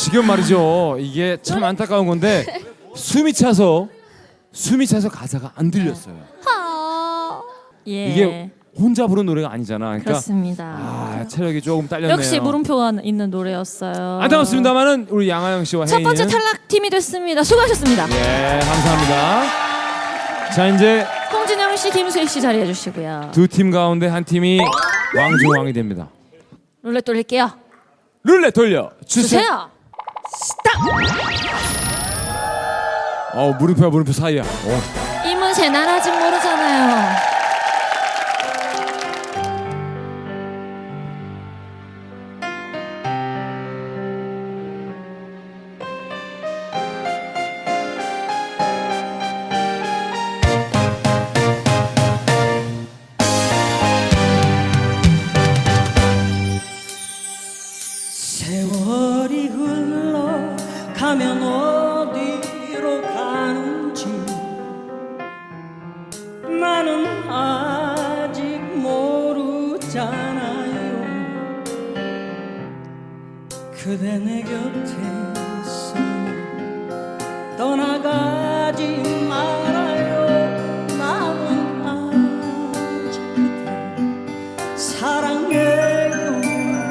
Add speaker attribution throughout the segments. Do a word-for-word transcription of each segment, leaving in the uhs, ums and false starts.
Speaker 1: 지금 말이죠. 이게 참 안타까운 건데 숨이 차서 숨이 차서 가사가 안 들렸어요.
Speaker 2: 아, 예.
Speaker 1: 이게 혼자 부른 노래가 아니잖아. 그러니까
Speaker 2: 그렇습니다.
Speaker 1: 아, 체력이 조금 딸렸네요.
Speaker 2: 역시 물음표가 있는 노래였어요.
Speaker 1: 안타깝습니다만은 우리 양하영 씨와
Speaker 2: 첫
Speaker 1: 혜인이는
Speaker 2: 번째 탈락팀이 됐습니다. 수고하셨습니다.
Speaker 1: 예, 감사합니다. 자, 이제
Speaker 2: 홍진영 씨, 김수희 씨 자리해 주시고요.
Speaker 1: 두 팀 가운데 한 팀이 왕중왕이 됩니다.
Speaker 2: 룰렛 돌릴게요.
Speaker 1: 룰렛 돌려 주세요.
Speaker 2: 주세요.
Speaker 1: 어, 물음표와 물음표 사이야. 어.
Speaker 2: 이문세 난 아직 모르잖아요.
Speaker 3: 세월이 흘러가면 어디로 가는지 나는 아직 모르잖아요. 그대 내 곁에 있어 떠나가지 말아요. 나는 아직 그대 사랑해요.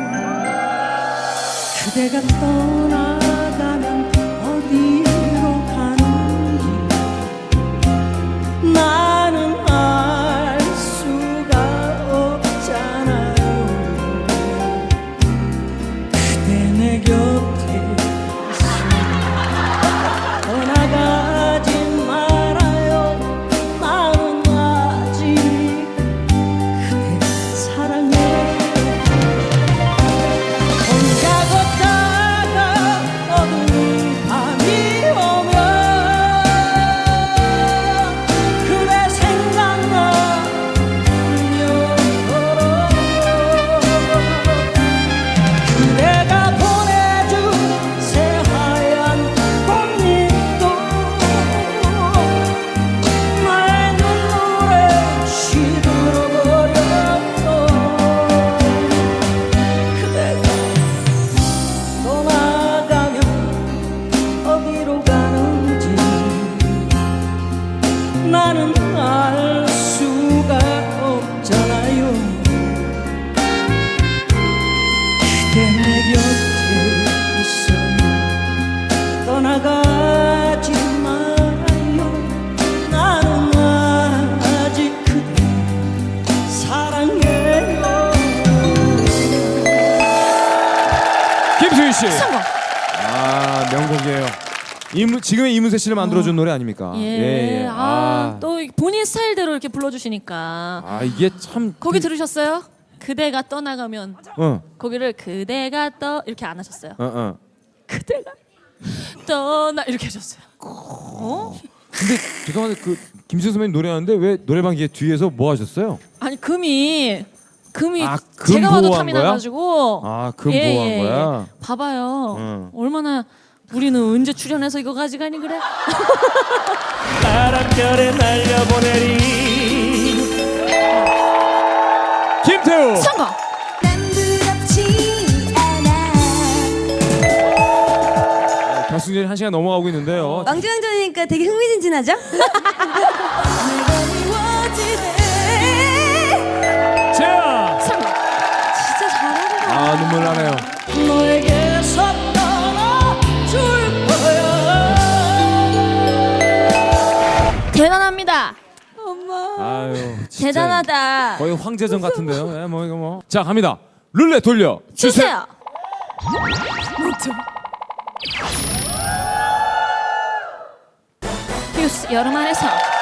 Speaker 3: 그대가 떠나가면 어디로 가는지 나는 알 수가 없잖아요. 그대 내 곁에 있어 떠나가지 말아요. 나는 아직 그대 사랑해요. 혼자 걷다가 어두운 밤이 오면 그대 생각나 울며 그대가 보내준 새하얀 꽃잎도 나의 눈물에 시들어버렸어. 그대가 떠나가면 어디로 가는지 나는 알 수가 없잖아요. 그대 내 곁에 있어 떠나가지 말아요. 나는 아직 그대 사랑해요.
Speaker 1: 김수희 씨.
Speaker 2: 성공.
Speaker 1: 아, 명곡이에요. 이문, 지금의 이문세 씨를 만들어준 노래 아닙니까?
Speaker 2: 예. 아,
Speaker 1: 아,
Speaker 2: 또 본인 스타일대로 이렇게 불러주시니까.
Speaker 1: 아, 이게 참.
Speaker 2: 거기 들으셨어요? 그대가 떠나가면
Speaker 1: 어,
Speaker 2: 거기를 그대가 떠 이렇게 안 하셨어요.
Speaker 1: 어, 어.
Speaker 2: 그대가 떠나 이렇게 하셨어요. 어?
Speaker 1: 근데 죄송한데 그 김수희 선배님 노래하는데 왜 노래방 기계 뒤에서 뭐 하셨어요?
Speaker 2: 아니 금이 금이
Speaker 1: 아, 금
Speaker 2: 제가 봐도
Speaker 1: 보호한
Speaker 2: 탐이
Speaker 1: 거야?
Speaker 2: 나가지고
Speaker 1: 아, 금 보호한 거야?
Speaker 2: 봐봐요.
Speaker 1: 응.
Speaker 2: 얼마나 우리는 언제 출연해서 이거 가져가니 그래?
Speaker 3: 바람결에 날려보내리
Speaker 1: 김태우.
Speaker 2: 성공.
Speaker 4: 난 부럽지 않아.
Speaker 1: 어, 결승전이 한 시간 넘어가고 있는데요.
Speaker 4: 왕중왕전이니까 되게 흥미진진하죠?
Speaker 1: 자,
Speaker 2: 성공.
Speaker 4: 진짜 잘하는
Speaker 1: 아, 눈물 나네요.
Speaker 3: 너에게서 떠나줄 거야.
Speaker 2: 대단합니다.
Speaker 4: 엄마.
Speaker 1: 아유, 진짜
Speaker 2: 대단하다.
Speaker 1: 거의 황제전 같은데요. 예, 뭐 이거 뭐. 자, 갑니다. 룰렛 돌려 주세요.
Speaker 2: 주세요. 퓨스 여름 안에서